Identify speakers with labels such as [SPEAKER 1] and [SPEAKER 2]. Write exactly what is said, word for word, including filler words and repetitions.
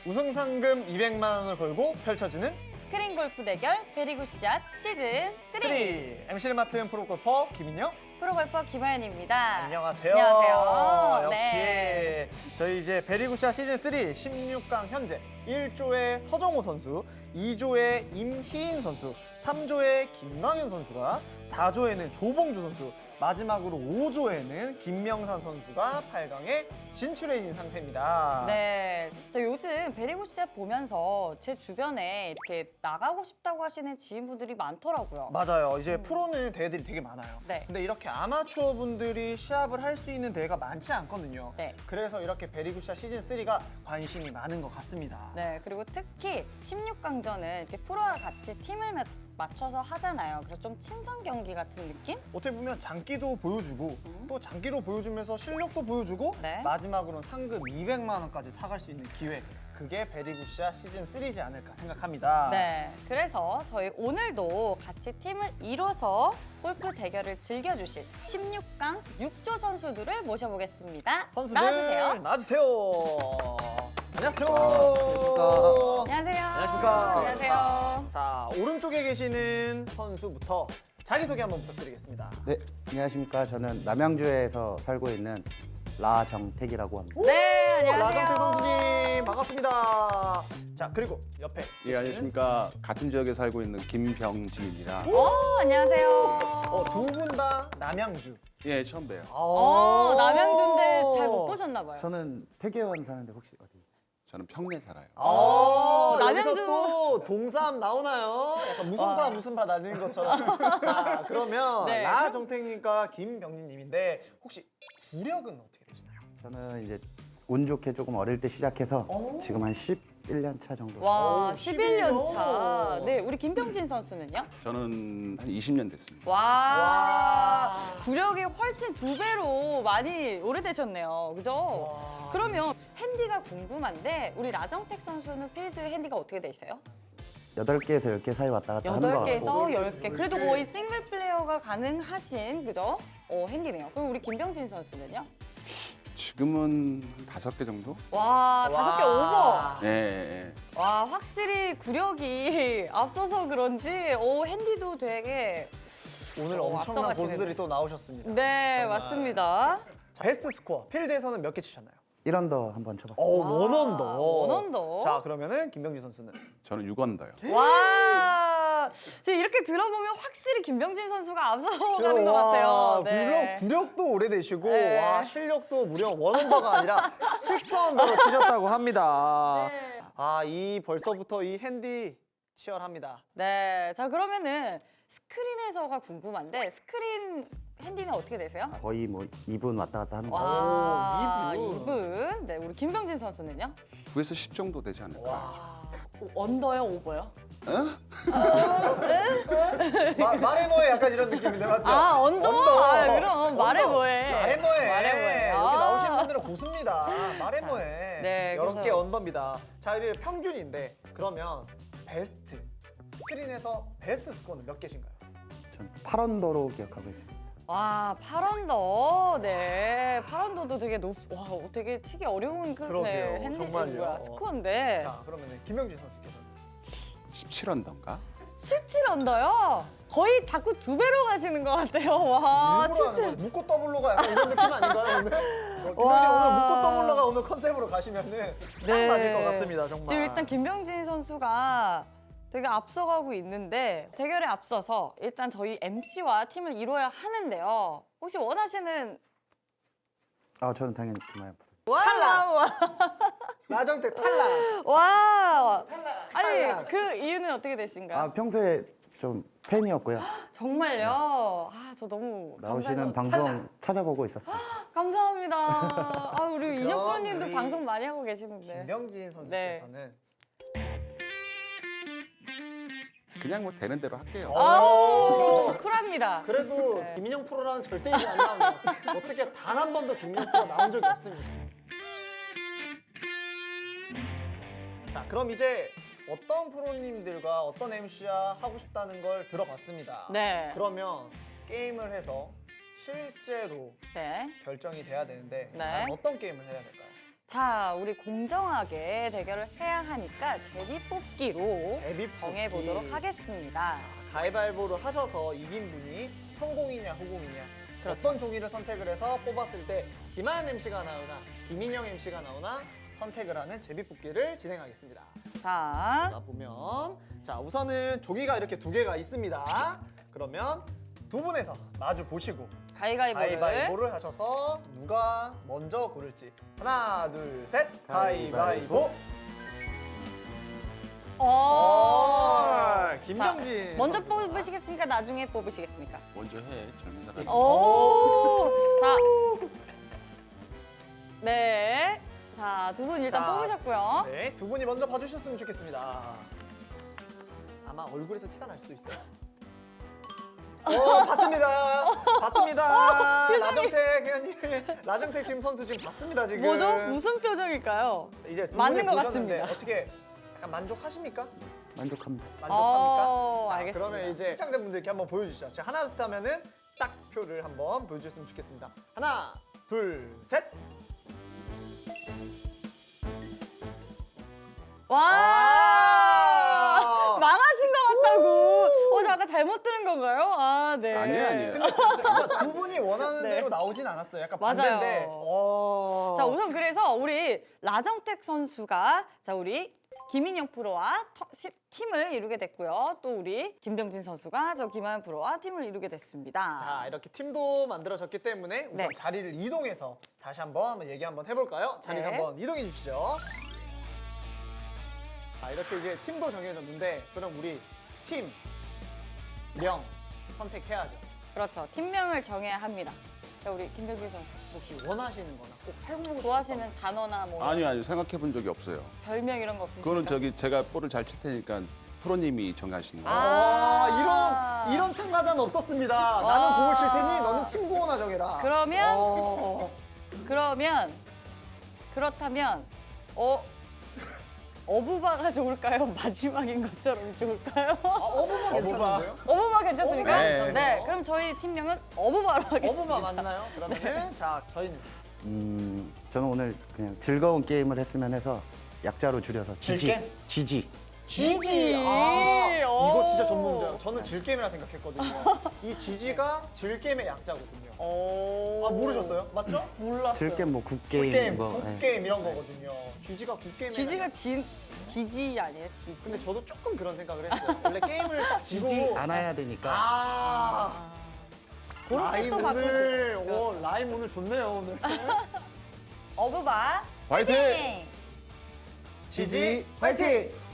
[SPEAKER 1] 우승 상금 이백만 원을 걸고 펼쳐지는
[SPEAKER 2] 스크린 골프 대결 베리굿샷 시즌
[SPEAKER 1] 삼.
[SPEAKER 2] 삼.
[SPEAKER 1] 엠시를 맡은 프로골퍼 김인영.
[SPEAKER 2] 프로골퍼 김하연입니다.
[SPEAKER 1] 안녕하세요.
[SPEAKER 2] 안녕하세요.
[SPEAKER 1] 역시
[SPEAKER 2] 네.
[SPEAKER 1] 저희 이제 베리굿샷 시즌 삼 십육 강 현재 일 조의 서정호 선수, 이 조의 임희인 선수, 삼 조의 김광현 선수가, 사 조에는 조봉주 선수, 마지막으로 오 조에는 김명산 선수가 팔 강에 진출해 있는 상태입니다.
[SPEAKER 2] 네, 저 요즘 베리굿샷 보면서 제 주변에 이렇게 나가고 싶다고 하시는 지인분들이 많더라고요.
[SPEAKER 1] 맞아요. 이제
[SPEAKER 2] 음.
[SPEAKER 1] 프로는 대회들이 되게 많아요.
[SPEAKER 2] 네.
[SPEAKER 1] 근데 이렇게 아마추어 분들이 시합을 할 수 있는 대회가 많지 않거든요.
[SPEAKER 2] 네.
[SPEAKER 1] 그래서 이렇게 베리굿샷 시즌 삼가 관심이 많은 것 같습니다.
[SPEAKER 2] 네, 그리고 특히 십육 강전은 이렇게 프로와 같이 팀을 마- 맞춰서 하잖아요. 그래서 좀 친선 경기 같은 느낌?
[SPEAKER 1] 어떻게 보면 장기도 보여주고
[SPEAKER 2] 음.
[SPEAKER 1] 또 장기로 보여주면서 실력도 보여주고
[SPEAKER 2] 네.
[SPEAKER 1] 마지막으로는 상금 이백만 원까지 타갈 수 있는 기회, 그게 베리굿샷 시즌 삼이지 않을까 생각합니다.
[SPEAKER 2] 네, 그래서 저희 오늘도 같이 팀을 이뤄서 골프 대결을 즐겨주실 십육 강 육 조 선수들을 모셔보겠습니다.
[SPEAKER 1] 선수들
[SPEAKER 2] 나와주세요.
[SPEAKER 1] 나와주세요. 안녕하세요.
[SPEAKER 3] 안녕하십니까.
[SPEAKER 2] 안녕하세요.
[SPEAKER 1] 안녕하십니까.
[SPEAKER 2] 안녕하세요.
[SPEAKER 1] 자, 오른쪽에 계시는 선수부터 자기소개 한번 부탁드리겠습니다.
[SPEAKER 3] 네, 안녕하십니까. 저는 남양주에서 살고 있는 라정택이라고 합니다.
[SPEAKER 2] 네, 안녕하세요.
[SPEAKER 1] 라정태 선수님 반갑습니다. 자, 그리고 옆에
[SPEAKER 4] 예, 안녕하십니까. 같은 지역에 살고 있는 김병진입니다.
[SPEAKER 2] 오, 안녕하세요.
[SPEAKER 1] 어, 두 분 다 남양주.
[SPEAKER 4] 예, 처음 봬요.
[SPEAKER 2] 어, 남양주인데 잘 못 보셨나 봐요.
[SPEAKER 3] 저는 태계원 사는데 혹시 어디?
[SPEAKER 4] 저는 평내 살아요.
[SPEAKER 1] 어,
[SPEAKER 2] 오,
[SPEAKER 1] 여기서
[SPEAKER 2] 남양주.
[SPEAKER 1] 또 동삼 나오나요? 약간 무슨 파
[SPEAKER 2] 와.
[SPEAKER 1] 무슨 파 나는 것처럼. 자, 그러면
[SPEAKER 2] 네.
[SPEAKER 1] 라정택님과 김병진님인데 혹시 구력은 어떻게 되시나요?
[SPEAKER 3] 저는 이제 운 좋게 조금 어릴 때 시작해서
[SPEAKER 2] 오.
[SPEAKER 3] 지금 한 십일 년 차 정도.
[SPEAKER 2] 와,
[SPEAKER 1] 오,
[SPEAKER 2] 십일 년
[SPEAKER 1] 십일
[SPEAKER 2] 차.
[SPEAKER 1] 년.
[SPEAKER 2] 네, 우리 김병진 선수는요?
[SPEAKER 4] 저는 한 이십 년 됐습니다.
[SPEAKER 2] 와,
[SPEAKER 1] 와.
[SPEAKER 2] 구력이 훨씬 두 배로 많이 오래되셨네요. 그죠?
[SPEAKER 1] 와.
[SPEAKER 2] 그러면 핸디가 궁금한데 우리 라정택 선수는 필드 핸디가 어떻게 돼 있어요?
[SPEAKER 3] 여덟 개에서 열 개 사이 왔다 갔다 하는 것
[SPEAKER 2] 여덟
[SPEAKER 3] 같고.
[SPEAKER 2] 개에서 열 개. 그래도 거의 싱글 플레이어가 가능하신 그죠? 어, 핸디네요. 그럼 우리 김병진 선수는요?
[SPEAKER 4] 지금은 한 다섯 개 정도?
[SPEAKER 2] 와, 다섯 개 오버.
[SPEAKER 4] 예, 예.
[SPEAKER 2] 와, 확실히 구력이 앞서서 그런지 오, 핸디도 되게
[SPEAKER 1] 오늘
[SPEAKER 2] 어,
[SPEAKER 1] 엄청난
[SPEAKER 2] 앞서가시네요.
[SPEAKER 1] 고수들이 또 나오셨습니다.
[SPEAKER 2] 네,
[SPEAKER 1] 정말.
[SPEAKER 2] 맞습니다.
[SPEAKER 1] 자, 베스트 스코어 필드에서는 몇 개 치셨나요?
[SPEAKER 3] 일 언더 한번 쳐봤어요.
[SPEAKER 1] 어,
[SPEAKER 2] 와,
[SPEAKER 1] 원언더.
[SPEAKER 2] 원언더.
[SPEAKER 1] 자, 그러면은 김병진 선수는
[SPEAKER 4] 저는 육 언더요.
[SPEAKER 2] 와, 지금 이렇게 들어보면 확실히 김병진 선수가 앞서가는 것 같아요. 네.
[SPEAKER 1] 물론 구력도 오래되시고
[SPEAKER 2] 네.
[SPEAKER 1] 와, 실력도 무려 원언더가 아니라 식스 언더로 치셨다고 합니다.
[SPEAKER 2] 네.
[SPEAKER 1] 아, 이 벌써부터 이 핸디 치열합니다.
[SPEAKER 2] 네, 자 그러면은 스크린에서가 궁금한데 스크린 핸디는 어떻게 되세요?
[SPEAKER 3] 거의 뭐 이 분 왔다 갔다 하는 거.
[SPEAKER 2] 와,
[SPEAKER 1] 이 분.
[SPEAKER 2] 이 분. 네, 우리 김병진 선수는요?
[SPEAKER 4] 구에서 십 정도 되지 않을까?
[SPEAKER 1] 와.
[SPEAKER 2] 아, 언더요, 오버요?
[SPEAKER 1] 마, 말해 뭐해 약간 이런 느낌인데 맞죠?
[SPEAKER 2] 아, 언더? 아, 그럼 말해
[SPEAKER 1] 언더.
[SPEAKER 2] 뭐해.
[SPEAKER 1] 말해 뭐해.
[SPEAKER 2] 말해 뭐해.
[SPEAKER 1] 여기
[SPEAKER 2] 아.
[SPEAKER 1] 나오신 분들은 고수입니다. 말해 뭐해.
[SPEAKER 2] 네,
[SPEAKER 1] 여러
[SPEAKER 2] 그래서-
[SPEAKER 1] 개 언더입니다. 자, 이게 평균인데 그러면 베스트 스크린에서 베스트 스코어는 몇 개신가요?
[SPEAKER 3] 전 팔 언더로 기억하고 있습니다.
[SPEAKER 2] 와, 팔 언더. 네, 팔 언더도 되게 높, 와, 되게 치기 어려운 그
[SPEAKER 1] 그러게요.
[SPEAKER 2] 네, 핸디
[SPEAKER 1] 정말요.
[SPEAKER 2] 뭐야, 스코어인데.
[SPEAKER 1] 자, 그러면 김명진 선수께서는
[SPEAKER 4] 십칠 언더인가?
[SPEAKER 2] 십칠 언더요? 거의 자꾸 두 배로 가시는 것 같아요. 와,
[SPEAKER 1] 일부러 하는
[SPEAKER 2] 십칠.
[SPEAKER 1] 거예요. 묶고 더블로가 약간 이런 느낌 아닌가요 오늘? 어, 김명진
[SPEAKER 2] 와.
[SPEAKER 1] 오늘 묶고 더블로가 오늘 컨셉으로 가시면은 딱
[SPEAKER 2] 네.
[SPEAKER 1] 맞을 것 같습니다 정말.
[SPEAKER 2] 지금 일단 김병진 선수가 되게 앞서가고 있는데 대결에 앞서서 일단 저희 엠씨와 팀을 이뤄야 하는데요. 혹시 원하시는
[SPEAKER 3] 아, 저는 당연히 김하연 프로.
[SPEAKER 2] 탈락!
[SPEAKER 1] 나정택 탈락.
[SPEAKER 2] 와! 아니,
[SPEAKER 1] 탈락.
[SPEAKER 2] 그 이유는 어떻게 되신가요?
[SPEAKER 3] 아, 평소에 좀 팬이었고요.
[SPEAKER 2] 정말요? 아, 저 너무
[SPEAKER 3] 나오시는
[SPEAKER 2] 감사해서-
[SPEAKER 3] 방송 찾아보고 있었어요.
[SPEAKER 2] 감사합니다. 아, 우리 인혁
[SPEAKER 1] 그럼
[SPEAKER 2] 프로님도
[SPEAKER 1] 우리
[SPEAKER 2] 방송 많이 하고 계시는데.
[SPEAKER 1] 김명진 선수께서는
[SPEAKER 4] 그냥 뭐 되는 대로 할게요.
[SPEAKER 2] 아우, 쿨합니다.
[SPEAKER 1] 그래도
[SPEAKER 2] 네.
[SPEAKER 1] 김인영 프로라는 절대 이지 안 나옵니다. 어떻게 단 한 번도 김인영 프로가 나온 적이 없습니다. 자, 그럼 이제 어떤 프로님들과 어떤 엠씨와 하고 싶다는 걸 들어봤습니다.
[SPEAKER 2] 네.
[SPEAKER 1] 그러면 게임을 해서 실제로
[SPEAKER 2] 네.
[SPEAKER 1] 결정이 돼야 되는데
[SPEAKER 2] 네.
[SPEAKER 1] 과연 어떤 게임을 해야 될까요?
[SPEAKER 2] 자, 우리 공정하게 대결을 해야 하니까 제비뽑기로
[SPEAKER 1] 제비뽑기.
[SPEAKER 2] 정해보도록 하겠습니다.
[SPEAKER 1] 가위바위보를 하셔서 이긴 분이 성공이냐 후공이냐
[SPEAKER 2] 그렇죠.
[SPEAKER 1] 어떤 종이를 선택을 해서 뽑았을 때 김하연 엠씨가 나오나 김인영 엠씨가 나오나 선택을 하는 제비뽑기를 진행하겠습니다.
[SPEAKER 2] 자,
[SPEAKER 1] 자 보면 자 우선은 조기가 이렇게 두 개가 있습니다. 그러면 두 분에서 마주 보시고
[SPEAKER 2] 가위가위보를.
[SPEAKER 1] 가위바위보를 하셔서 누가 먼저 고를지 하나 둘 셋 가위바위보.
[SPEAKER 2] 어.
[SPEAKER 1] 어, 김병진
[SPEAKER 2] 자, 먼저
[SPEAKER 1] 선수가.
[SPEAKER 2] 뽑으시겠습니까? 나중에 뽑으시겠습니까?
[SPEAKER 4] 먼저 해. 젊은 사람.
[SPEAKER 2] 오. 자. 네. 자, 두 분 일단
[SPEAKER 1] 자,
[SPEAKER 2] 뽑으셨고요.
[SPEAKER 1] 네, 두 분이 먼저 봐주셨으면 좋겠습니다. 아마 얼굴에서 티가 날 수도 있어요. 어, 봤습니다. 봤습니다. 라정택 의원님, 라정택 지금 선수 지금 봤습니다 지금.
[SPEAKER 2] 뭐죠? 무슨 표정일까요?
[SPEAKER 1] 이제 두
[SPEAKER 2] 맞는
[SPEAKER 1] 분이
[SPEAKER 2] 것
[SPEAKER 1] 보셨는데
[SPEAKER 2] 같습니다.
[SPEAKER 1] 어떻게 약간 만족하십니까?
[SPEAKER 3] 만족합니다.
[SPEAKER 1] 만족합니까?
[SPEAKER 2] 어,
[SPEAKER 1] 자,
[SPEAKER 2] 알겠습니다.
[SPEAKER 1] 그러면 이제 시청자분들께 한번 보여주시죠. 제가 하나 둘 셋 하면은 딱 표를 한번 보여주셨으면 좋겠습니다. 하나, 둘, 셋.
[SPEAKER 2] 와!
[SPEAKER 1] 아!
[SPEAKER 2] 망하신 것 같다고. 어, 저 아까 잘못 들은 건가요? 아, 네.
[SPEAKER 4] 아니에요, 아니에요.
[SPEAKER 1] 근데 잠깐 두 분이 원하는
[SPEAKER 2] 네.
[SPEAKER 1] 대로 나오진 않았어요. 약간
[SPEAKER 2] 맞아요.
[SPEAKER 1] 반대인데. 어...
[SPEAKER 2] 자, 우선 그래서 우리 라정택 선수가 자, 우리 김인영 프로와 터- 시- 팀을 이루게 됐고요. 또 우리 김병진 선수가 저 김하연 프로와 팀을 이루게 됐습니다.
[SPEAKER 1] 자, 이렇게 팀도 만들어졌기 때문에 우선
[SPEAKER 2] 네.
[SPEAKER 1] 자리를 이동해서 다시 한번 한번 얘기 한번 해볼까요? 자리를
[SPEAKER 2] 네.
[SPEAKER 1] 한번 이동해 주시죠. 자, 이렇게 이제 팀도 정해졌는데 그럼 우리 팀명 선택해야죠.
[SPEAKER 2] 그렇죠. 팀명을 정해야 합니다. 자, 우리 김병진 선수.
[SPEAKER 1] 혹시 원하시는 거나 꼭 해보고
[SPEAKER 2] 좋아하시는 단어나 뭐
[SPEAKER 4] 아니요, 아니요. 생각해 본 적이 없어요.
[SPEAKER 2] 별명 이런 거 없으십니까?
[SPEAKER 4] 그거는 저기 제가 볼을 잘 칠 테니까 프로님이 정하시는 거예요.
[SPEAKER 1] 아, 이런 이런 참가자는 없었습니다. 나는
[SPEAKER 2] 와.
[SPEAKER 1] 공을 칠 테니 너는 팀도 하나 정해라.
[SPEAKER 2] 그러면
[SPEAKER 1] 어...
[SPEAKER 2] 그러면 그렇다면 어 어부바가 좋을까요? 마지막인 것처럼 좋을까요?
[SPEAKER 1] 아, 어부바 괜찮은데요?
[SPEAKER 2] 어부바 괜찮습니까?
[SPEAKER 1] 어부바
[SPEAKER 2] 네.
[SPEAKER 1] 괜찮네요.
[SPEAKER 2] 그럼 저희 팀명은 어부바로 하겠습니다.
[SPEAKER 1] 어부바 맞나요? 그러면은 자 저희는
[SPEAKER 3] 음, 저는 오늘 그냥 즐거운 게임을 했으면 해서 약자로 줄여서 지지.
[SPEAKER 1] 즐겜?
[SPEAKER 3] 지지.
[SPEAKER 2] 지지.
[SPEAKER 1] 아, 이거 진짜
[SPEAKER 2] 오.
[SPEAKER 1] 전문가예요. 저는 질게임이라 생각했거든요. 이 지지가 질게임의 약자거든요.
[SPEAKER 2] 오.
[SPEAKER 1] 아 모르셨어요? 맞죠?
[SPEAKER 2] 몰랐어요.
[SPEAKER 3] 즐겜 뭐 굿게임
[SPEAKER 1] 굿게임,
[SPEAKER 3] 뭐. 예.
[SPEAKER 1] 굿게임 이런 거거든요. 지지가 굿게임.
[SPEAKER 2] 지지가 지 지지 아니에요? 지지.
[SPEAKER 1] 근데 저도 조금 그런 생각을 했어요. 원래 게임을 딱 지고
[SPEAKER 3] 지지 않아야 되니까.
[SPEAKER 1] 아,
[SPEAKER 2] 아. 그런
[SPEAKER 1] 라임
[SPEAKER 2] 것도 바꿀 수
[SPEAKER 1] 오늘
[SPEAKER 2] 있어요.
[SPEAKER 1] 오, 라임 오늘 좋네요 오늘.
[SPEAKER 2] 어부바
[SPEAKER 4] 화이팅!
[SPEAKER 2] 화이팅!
[SPEAKER 1] 지지 화이팅!